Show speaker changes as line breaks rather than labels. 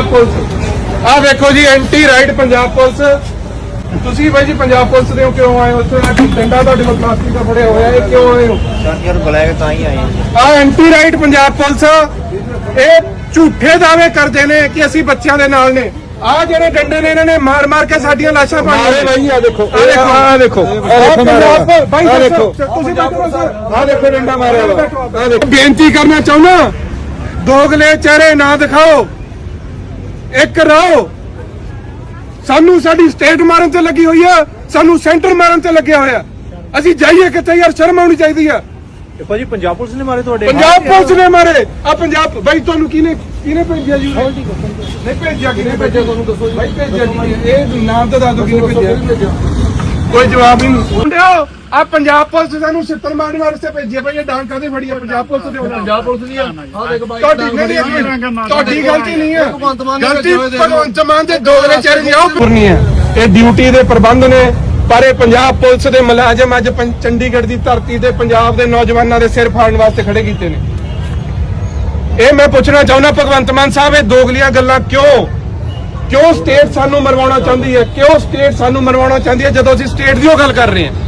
Punjab police आ देखो जी एंटी राइट पंजाब पुलिस ਤੁਸੀਂ ਬਾਈ ਜੀ ਪੰਜਾਬ ਪੁਲਿਸ ਦੇ ਕਿਉਂ ਆਏ ਹੋ ਉੱਥੇ ਡੰਡਾ ਤੁਹਾਡੇ ਕੋਲ ਪਲਾਸਟਿਕ ਦਾ ਫੜਿਆ ਹੋਇਆ ਇਹ ਕਿਉਂ ਆਏ ਹੋ
ਯਾਰ ਬੁਲਾਇਆ ਤਾਂ ਹੀ ਆਏ
ਆ ਐਂਟੀ ਰਾਈਟ ਪੰਜਾਬ ਪੁਲਿਸ ਇਹ ਝੂਠੇ ਦਾਅਵੇ ਕਰਦੇ ਨੇ ਕਿ ਅਸੀਂ ਬੱਚਿਆਂ ਦੇ ਨਾਲ ਨੇ ਆ ਜਿਹੜੇ ਡੰਡੇ ਨੇ ਇਹਨਾਂ ਨੇ ਮਾਰ ਮਾਰ ਕੇ ਸਾਡੀਆਂ ਲਾਸ਼ਾਂ ਪਾਈਆਂ ਨੇ ਬਾਈ ਆ ਦੇਖੋ ਆ ਦੇਖੋ ਬਾਈ ਦੇਖੋ ਤੁਸੀਂ ਦੇਖੋ ਸਰ ਆ ਦੇਖੋ ਡੰਡਾ ਮਾਰਿਆ ਆ ਦੇਖੋ ਬੇਨਤੀ ਕਰਨਾ ਚਾਹੁੰਦਾ ਦੋਗਲੇ ਚਿਹਰੇ ਨਾ ਦਿਖਾਓ ਇੱਕ ਰਹੋ ਸਾਨੂੰ ਸਾਡੀ ਸਟੇਟ ਮਾਰਨ ਤੇ ਲੱਗੀ ਹੋਈ ਆ ਸਾਨੂੰ ਸੈਂਟਰ ਮਾਰਨ ਤੇ ਲੱਗਿਆ ਹੋਇਆ ਅਸੀਂ ਜਾਈਏ ਕਿੱਥੇ ਯਾਰ ਸ਼ਰਮ ਆਉਣੀ ਚਾਹੀਦੀ ਆ
ਭਾਜੀ ਪੰਜਾਬ ਪੁਲਿਸ ਨੇ ਮਾਰੇ ਤੁਹਾਡੇ
ਪੰਜਾਬ ਪੁਲਿਸ ਨੇ ਮਾਰੇ ਆ ਪੰਜਾਬ ਬਾਈ ਤੁਹਾਨੂੰ ਕਿਹਨੇ ਭੇਜਿਆ ਜੀ ਨਹੀਂ ਭੇਜਿਆ ਕਿਹਨੇ ਭੇਜਿਆ ਤੁਹਾਨੂੰ ਦੱਸੋ ਬਾਈ ਭੇਜਿਆ ਜੀ ਇਹ ਨਾਮ ਤਾਂ ਦੱਸ ਦਿਓ ਕਿਹਨੇ ਭੇਜਿਆ ਕੋਈ ਜਵਾਬ ਹੀ ਨਹੀਂ ਮੁੰਡਿਓ ਆ ਪੰਜਾਬ ਪੁਲਿਸ ਸਾਨੂੰ ਛਿੱਤਰ ਮਾਰਨ ਵਾਸਤੇ ਭੇਜਿਆ ਭਾਈ ਇਹ ਡਾਂਗ ਕਾਹਦੇ ਫੜੀ ਆ ਪੰਜਾਬ ਪੁਲਿਸ ਦੇ ਪੰਜਾਬ ਪੁਲਿਸ ਦੀ ਆ ਦੇਖ ਬਾਈ ਤੁਹਾਡੀ ਗਲਤੀ ਨਹੀਂ ਹੈ ਗਲਤੀ ਭਗਵੰਤ ਮਾਨ ਦੇ ਦੋਗਲੇ ਚਿਹਰੇ ਦੀ ਆਉ ਨਹੀਂ ਹੈ ਇਹ ਡਿਊਟੀ ਦੇ ਪ੍ਰਬੰਧ ਨੇ ਪਰ ਇਹ ਪੰਜਾਬ ਪੁਲਿਸ ਦੇ ਮੁਲਾਜ਼ਮ ਅੱਜ ਚੰਡੀਗੜ੍ਹ ਦੀ ਧਰਤੀ ਤੇ ਪੰਜਾਬ ਦੇ ਨੌਜਵਾਨਾਂ ਦੇ ਸਿਰ ਫਾੜਨ ਵਾਸਤੇ ਖੜੇ ਕੀਤੇ ਨੇ ਇਹ ਮੈਂ ਪੁੱਛਣਾ ਚਾਹੁੰਦਾ ਭਗਵੰਤ ਮਾਨ ਸਾਹਿਬ ਇਹ ਦੋਗਲੀਆਂ ਗੱਲਾਂ ਕਿਉਂ ਸਟੇਟ ਸਾਨੂੰ ਮਰਵਾਉਣਾ ਚਾਹੁੰਦੀ ਹੈ ਕਿਉਂ ਸਟੇਟ ਸਾਨੂੰ ਮਰਵਾਉਣਾ ਚਾਹੁੰਦੀ ਹੈ ਜਦੋਂ ਅਸੀਂ ਸਟੇਟ ਦੀ ਉਹ ਗੱਲ ਕਰ ਰਹੇ ਹਾਂ